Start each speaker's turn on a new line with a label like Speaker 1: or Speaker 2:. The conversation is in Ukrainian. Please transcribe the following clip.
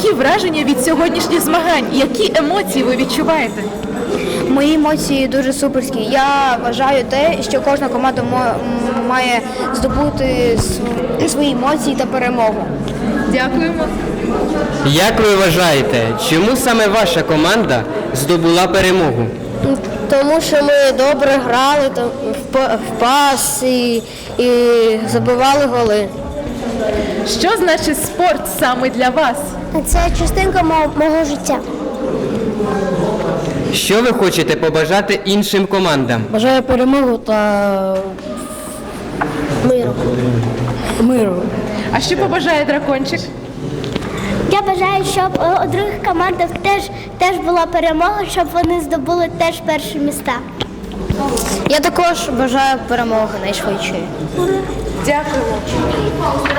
Speaker 1: Які враження від сьогоднішніх змагань? Які емоції ви відчуваєте?
Speaker 2: Мої емоції дуже суперські. Я вважаю те, що кожна команда має здобути свої емоції та перемогу.
Speaker 1: Дякуємо.
Speaker 3: Як ви вважаєте, чому саме ваша команда здобула перемогу?
Speaker 2: Тому що ми добре грали в пас і забивали голи.
Speaker 1: Що значить спорт саме для вас?
Speaker 2: Це частинка мого життя.
Speaker 3: Що ви хочете побажати іншим командам?
Speaker 2: Бажаю перемогу та миру.
Speaker 1: А що побажає дракончик?
Speaker 4: Я бажаю, щоб у других командах теж була перемога, щоб вони здобули теж перші місця.
Speaker 2: Я також бажаю перемоги найшвидшої.
Speaker 1: Дякуємо.